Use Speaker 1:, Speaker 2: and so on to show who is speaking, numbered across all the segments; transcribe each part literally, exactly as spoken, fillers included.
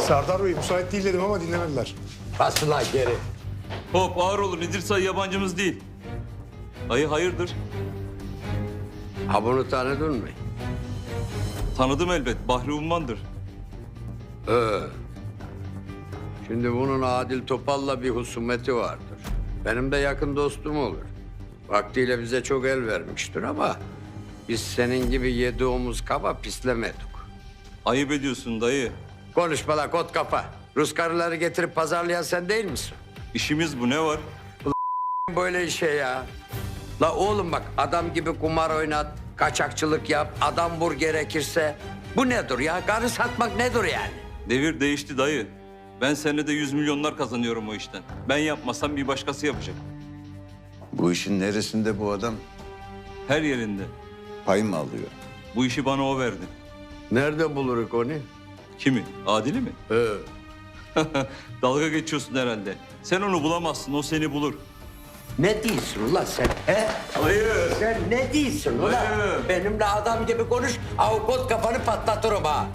Speaker 1: Serdar Bey müsait değil dedim ama dinlemediler.
Speaker 2: Bas ulan geri.
Speaker 3: Hop ağır olun. İdris Ayı yabancımız değil. Ayı hayırdır?
Speaker 2: Ha bunu tanıdın mı?
Speaker 3: Tanıdım elbet. Bahri Umman'dır.
Speaker 2: Ee, şimdi bunun Adil Topal'la bir husumeti vardır. Benim de yakın dostum olur. Vaktiyle bize çok el vermiştir ama biz senin gibi yedi omuz kaba pislemedik.
Speaker 3: Ayıp ediyorsun dayı.
Speaker 2: Konuşma la kot kafa. Rus karıları getirip pazarlayan sen değil misin?
Speaker 3: İşimiz bu, ne var?
Speaker 2: Böyle işe ya. La oğlum bak, adam gibi kumar oynat, kaçakçılık yap, adam vur gerekirse. Bu nedir ya? Karı satmak nedir yani?
Speaker 3: Devir değişti dayı. Ben senede yüz milyonlar kazanıyorum o işten. Ben yapmasam bir başkası yapacak.
Speaker 4: Bu işin neresinde bu adam?
Speaker 3: Her yerinde.
Speaker 4: Pay mı alıyor?
Speaker 3: Bu işi bana o verdi.
Speaker 2: Nerede buluruk onu?
Speaker 3: Kimi? Adil'i mi?
Speaker 2: Ee,
Speaker 3: Dalga geçiyorsun herhalde. Sen onu bulamazsın, o seni bulur.
Speaker 2: ne diyorsun ulan sen? He?
Speaker 3: Hayır.
Speaker 2: Sen ne diyorsun ulan?
Speaker 3: Hayır.
Speaker 2: Benimle adam gibi konuş, avukat kafanı patlatırım ha.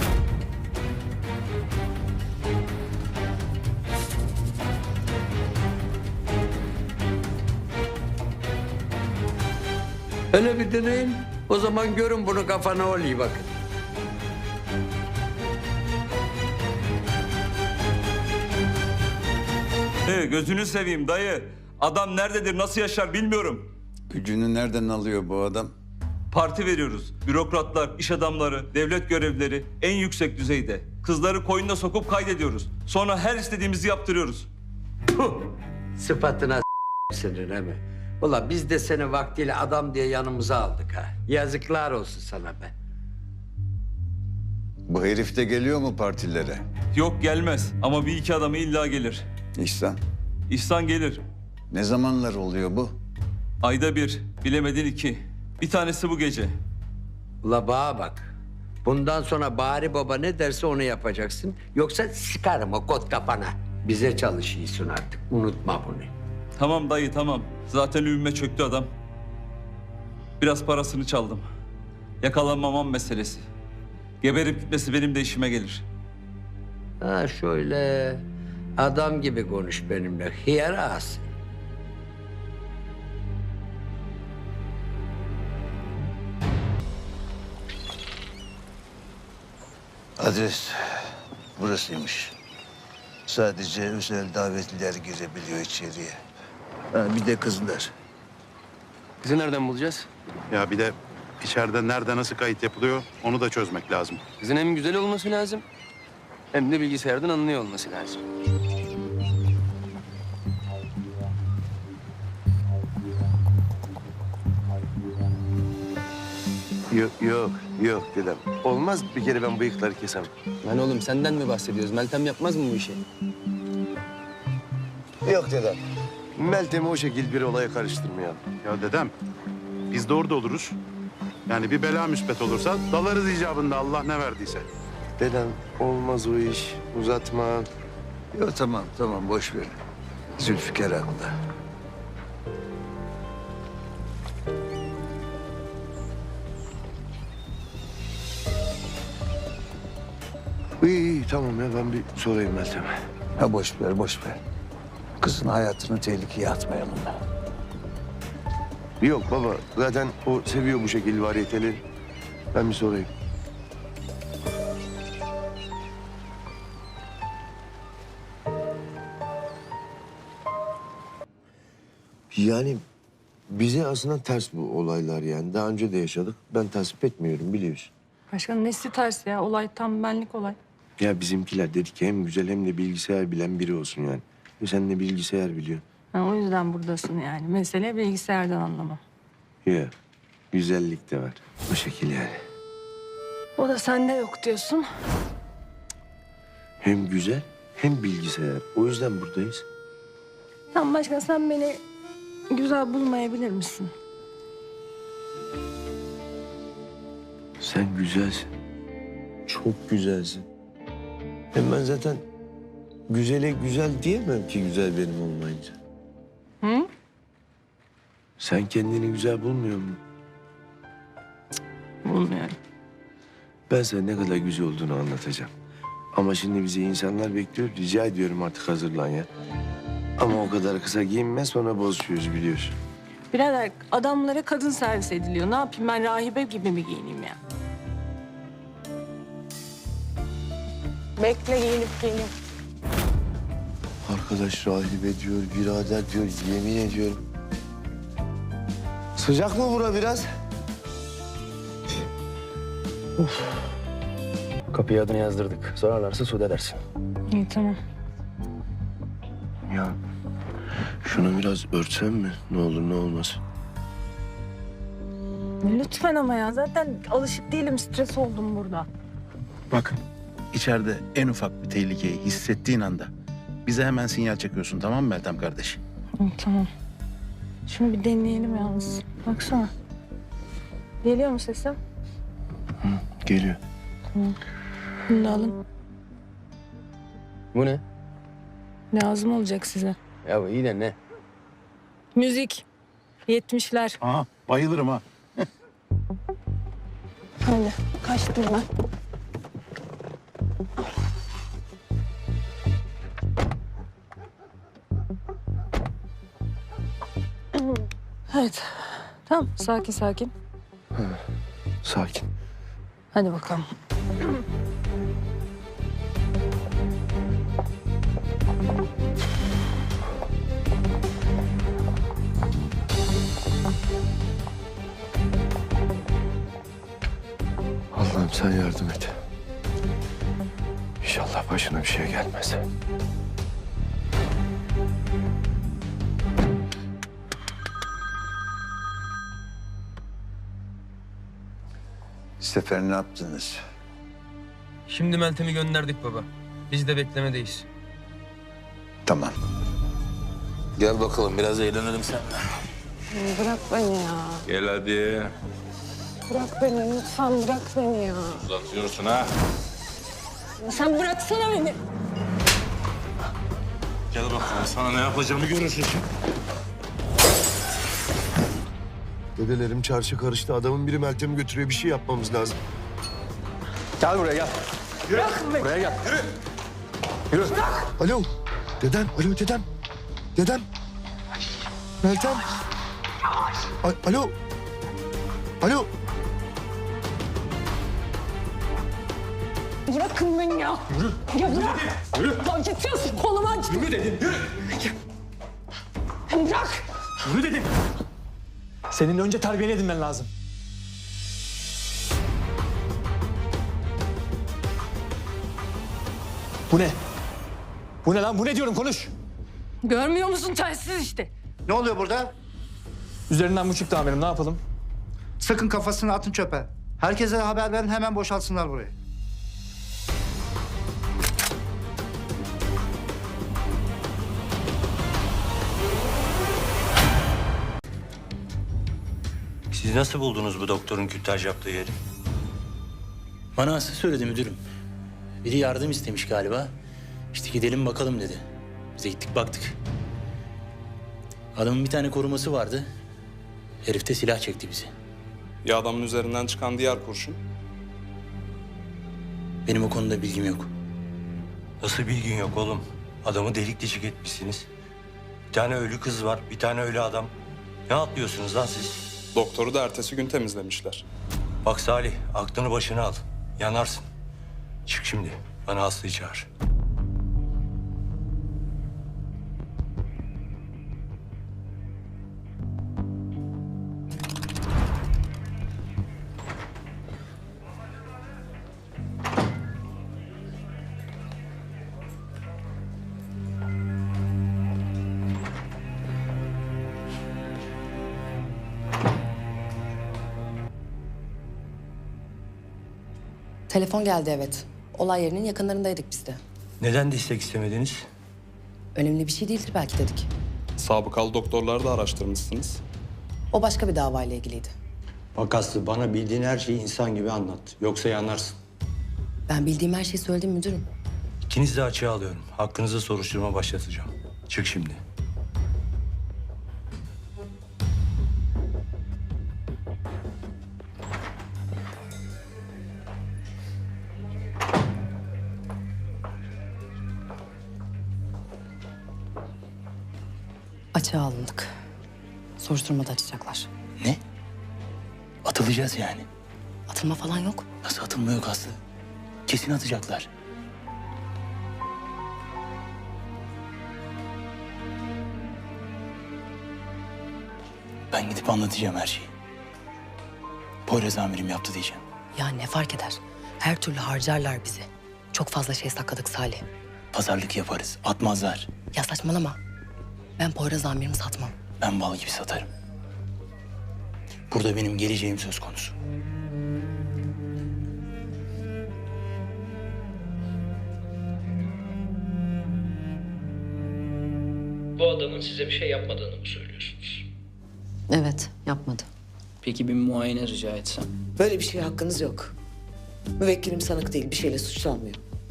Speaker 2: Öyle bir deneyin. O zaman görün bunu kafana oluyor bakın.
Speaker 3: Ee, gözünü seveyim dayı. Adam nerededir, nasıl yaşar bilmiyorum.
Speaker 4: Gücünü nereden alıyor bu adam?
Speaker 3: Parti veriyoruz. Bürokratlar, iş adamları, devlet görevlileri en yüksek düzeyde. Kızları koyuna sokup kaydediyoruz. Sonra her istediğimizi yaptırıyoruz.
Speaker 2: Puh! Sıfatına senin he mi? Ulan biz de seni vaktiyle adam diye yanımıza aldık ha. Yazıklar olsun sana be.
Speaker 4: Bu herif de geliyor mu partilere?
Speaker 3: Yok gelmez ama bir iki adamı illa gelir.
Speaker 4: İhsan,
Speaker 3: İhsan gelir.
Speaker 4: ne zamanlar oluyor bu?
Speaker 3: Ayda bir, bilemedin iki. Bir tanesi bu gece.
Speaker 2: Ula bağa bak. Bundan sonra Bari Baba ne derse onu yapacaksın. Yoksa sıkarım o kot kafana. Bize çalışıyorsun artık. Unutma bunu.
Speaker 3: Tamam dayı tamam. Zaten ümme çöktü adam. Biraz parasını çaldım. Yakalanmamam meselesi. Geberip gitmesi benim de işime gelir.
Speaker 2: Ha şöyle adam gibi konuş benimle. Hıyar ağası.
Speaker 5: Adres burasıymış. Sadece özel davetliler girebiliyor içeriye. Ha, bir de kızlar.
Speaker 6: Kızı nereden bulacağız?
Speaker 7: Ya bir de içeride nerede nasıl kayıt yapılıyor onu da çözmek lazım.
Speaker 6: Kızın hem güzel olması lazım hem de bilgisayardan anlıyor olması lazım.
Speaker 8: Yok yok yok dedem. Olmaz bir kere ben bıyıkları kesem.
Speaker 6: Lan oğlum senden mi bahsediyoruz? Meltem yapmaz mı bu işi?
Speaker 8: Yok dedem. Meltem'i o şekil bir olaya karıştırmayalım.
Speaker 7: Ya dedem biz de orada oluruz. Yani bir bela müspet olursa dalarız icabında Allah ne verdiyse.
Speaker 8: Dedem olmaz o iş. Uzatma.
Speaker 5: Yok tamam tamam boş ver. Zülfikar haklı.
Speaker 8: İyi iyi tamam ya ben bir sorayım Meltem'e.
Speaker 5: Ha boş ver boş ver. Kızın hayatını tehlikeye atmayalım.
Speaker 8: Yok baba zaten o seviyor bu şekil variyeteli. Ben bir sorayım. Yani bize aslında ters bu olaylar yani. Daha önce de yaşadık. Ben tasvip etmiyorum biliyorsun.
Speaker 9: Başkanım nesi ters ya? Olay tam benlik olay.
Speaker 8: Ya bizimkiler dedi ki hem güzel hem de bilgisayar bilen biri olsun yani. Ve sen de bilgisayar biliyorsun.
Speaker 9: Ha, o yüzden buradasın yani. Mesele bilgisayardan anlamam.
Speaker 8: Ya güzellik de var. Bu şekil yani.
Speaker 9: O da sende yok diyorsun.
Speaker 8: Hem güzel hem bilgisayar. O yüzden buradayız.
Speaker 9: Tamam başkan sen beni güzel bulmayabilir misin?
Speaker 8: Sen güzelsin. Çok güzelsin. Hem ben zaten güzele güzel diyemem ki güzel benim olmayınca.
Speaker 9: Hı?
Speaker 8: Sen kendini güzel bulmuyor musun?
Speaker 9: Bulmuyorum.
Speaker 8: Ben sana ne kadar güzel olduğunu anlatacağım. Ama şimdi bizi insanlar bekliyor. Rica ediyorum artık hazırlan ya. Ama o kadar kısa giyinme sonra bozuşuyoruz biliyorsun.
Speaker 9: Birader adamlara kadın servis ediliyor. Ne yapayım ben rahibe gibi mi giyineyim ya? Bekle giyinip geleyim.
Speaker 8: Arkadaş rahibe diyor, birader diyor, yemin ediyorum. Sıcak mı bura biraz?
Speaker 6: Kapıya adını yazdırdık. Sorarlarsa Sude dersin.
Speaker 9: İyi tamam.
Speaker 8: Ya şunu biraz örtsem mi? Ne olur ne olmaz.
Speaker 9: Lütfen ama ya zaten alışık değilim stres oldum burada.
Speaker 10: Bak, içeride en ufak bir tehlikeyi hissettiğin anda bize hemen sinyal çekiyorsun, tamam mı Meltem kardeş?
Speaker 9: İyi tamam. Şunu bir deneyelim yalnız. Baksana. Geliyor mu sesim?
Speaker 8: Geliyor.
Speaker 9: Bunu da alın.
Speaker 6: Bu ne?
Speaker 9: Lazım olacak size.
Speaker 6: Ya bu iyi de ne?
Speaker 9: Müzik. Yetmişler.
Speaker 10: Aha, bayılırım ha.
Speaker 9: Hadi kaçtım ben. Evet. Tamam sakin sakin.
Speaker 8: Sakin.
Speaker 9: Hadi bakalım.
Speaker 8: Allah'ım sen yardım et. İnşallah başına bir şey gelmez.
Speaker 4: Sefer ne yaptınız?
Speaker 6: Şimdi Meltem'i gönderdik baba. Biz de beklemedeyiz.
Speaker 4: Tamam.
Speaker 5: Gel bakalım biraz eğlenelim seninle.
Speaker 9: Bırak beni ya.
Speaker 5: Gel hadi.
Speaker 9: Bırak beni lütfen bırak beni ya.
Speaker 5: Uzatıyorsun ha.
Speaker 9: Sen bıraksana beni.
Speaker 5: Gel bakalım sana ne yapacağımı görürsün şimdi.
Speaker 8: Dedelerim çarşı karıştı. Adamın biri Meltem'i götürüyor. Bir şey yapmamız lazım.
Speaker 6: Gel buraya gel.
Speaker 9: Bırak beni.
Speaker 6: Buraya gel.
Speaker 8: Alo. Dedem. Alo dedem. Dedem. Meltem. A- Alo. Alo.
Speaker 9: Bırakın beni ya. Yürü. Ya bırak. Yürü. Ya geçiyorsun kolumu aç. Yürü dedim. Yürü. Bırak.
Speaker 11: Yürü dedim. Senin önce terbiyeni edinmen lazım. Bu ne? Bu ne lan? Bu ne diyorum? Konuş.
Speaker 9: Görmüyor musun telsiz işte.
Speaker 11: Ne oluyor burada? Üzerinden bu çıktı amirim. Ne yapalım? Sakın kafasını atın çöpe. Herkese haber verin, hemen boşaltsınlar burayı.
Speaker 12: Siz nasıl buldunuz bu doktorun kürtaj yaptığı yeri?
Speaker 13: Bana Aslı söyledi müdürüm. Biri yardım istemiş galiba. İşte gidelim bakalım dedi. Biz de gittik baktık. Adamın bir tane koruması vardı. Herif de silah çekti bizi.
Speaker 14: Ya adamın üzerinden çıkan diğer kurşun?
Speaker 13: Benim o konuda bilgim yok.
Speaker 12: Nasıl bilgin yok oğlum? Adamı delik deşik etmişsiniz. Bir tane ölü kız var, bir tane ölü adam. Ne atlıyorsunuz lan siz?
Speaker 14: Doktoru da ertesi gün temizlemişler.
Speaker 12: Bak Salih, aklını başına al. Yanarsın. Çık şimdi, bana Aslı'yı çağır.
Speaker 15: Telefon geldi evet. Olay yerinin yakınlarındaydık biz de.
Speaker 12: Neden destek istemediniz?
Speaker 15: Önemli bir şey değildir belki dedik.
Speaker 14: Sabıkalı doktorları da araştırmışsınız.
Speaker 15: O başka bir davayla ilgiliydi.
Speaker 12: Bak Aslı, bana bildiğin her şeyi insan gibi anlat. Yoksa yanarsın.
Speaker 15: Ben bildiğim her şeyi söyledim müdürüm.
Speaker 12: İkinizi de açığa alıyorum. Hakkınızda soruşturma başlatacağım. Çık şimdi.
Speaker 15: Açığa alındık. Soruşturmada açacaklar.
Speaker 13: Ne? Atılacağız yani.
Speaker 15: Atılma falan yok.
Speaker 13: Nasıl atılma yok Aslı? Kesin atacaklar. Ben gidip anlatacağım her şeyi. Poyraz amirim yaptı diyeceğim.
Speaker 15: Ya ne fark eder? Her türlü harcarlar bizi. Çok fazla şey sakladık Salih.
Speaker 13: Pazarlık yaparız. Atmazlar.
Speaker 15: Ya saçmalama. Ben Poyraz amirimi satmam.
Speaker 13: Ben bal gibi satarım. Burada benim geleceğim söz konusu.
Speaker 16: Bu adamın size bir şey yapmadığını mı söylüyorsunuz?
Speaker 15: Evet, yapmadı.
Speaker 16: Peki bir muayene rica etsem?
Speaker 17: Böyle bir şeye hakkınız yok. Müvekkilim sanık değil, bir şeyle suçlanmıyor.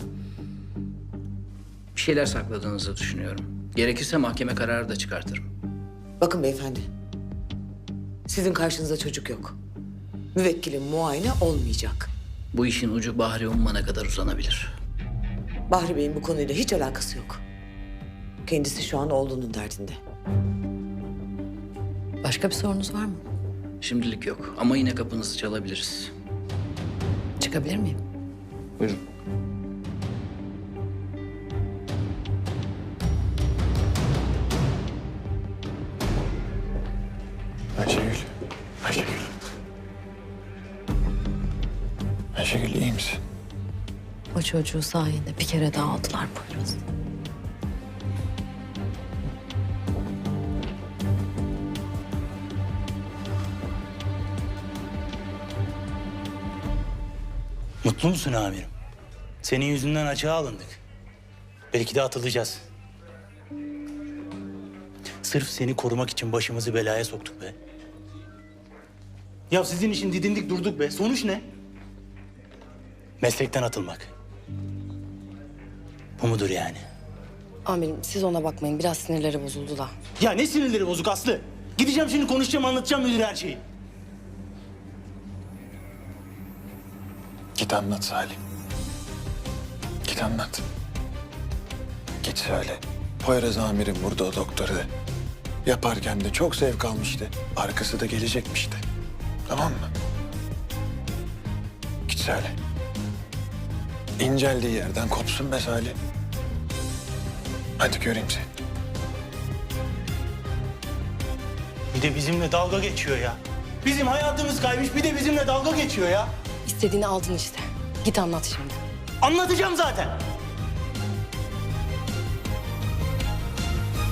Speaker 16: Bir şeyler sakladığınızı düşünüyorum. Gerekirse mahkeme kararı da çıkartırım.
Speaker 17: Bakın beyefendi, sizin karşınızda çocuk yok. Müvekkilim muayene olmayacak.
Speaker 16: Bu işin ucu Bahri Umman'a kadar uzanabilir.
Speaker 17: Bahri Bey'in bu konuyla hiç alakası yok. Kendisi şu an oğlunun derdinde.
Speaker 15: Başka bir sorunuz var mı?
Speaker 16: Şimdilik yok ama yine kapınızı çalabiliriz.
Speaker 15: Çıkabilir miyim?
Speaker 16: Buyurun.
Speaker 4: Ayşegül. Ayşegül. Ayşegül iyi misin?
Speaker 15: O çocuğu sayende bir kere daha aldılar Poyraz.
Speaker 13: Mutlu musun amirim? Senin yüzünden açığa alındık. Belki de atılacağız. Sırf seni korumak için başımızı belaya soktuk be. Ya sizin için didindik durduk be. Sonuç ne? Meslekten atılmak. Bu mudur yani?
Speaker 15: Amirim siz ona bakmayın. Biraz sinirleri bozuldu da.
Speaker 13: Ya ne sinirleri bozuk Aslı? Gideceğim şimdi konuşacağım, anlatacağım müdüre her şeyi.
Speaker 4: Git anlat Salim. Git anlat. Git söyle. Poyraz amirim burada o doktoru. Yaparken de çok zevk almıştı. Arkası da gelecekmiş de. Tamam mı? Git söyle. İnceldiği yerden kopsun be Salim. Hadi göreyim seni.
Speaker 13: Bir de bizimle dalga geçiyor ya. Bizim hayatımız kaymış, bir de bizimle dalga geçiyor ya.
Speaker 15: İstediğini aldın işte. Git anlat şimdi.
Speaker 13: Anlatacağım zaten.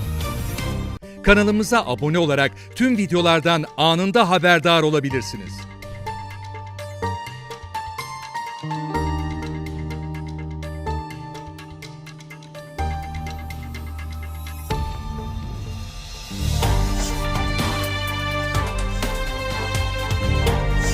Speaker 18: Kanalımıza abone olarak tüm videolardan anında haberdar olabilirsiniz.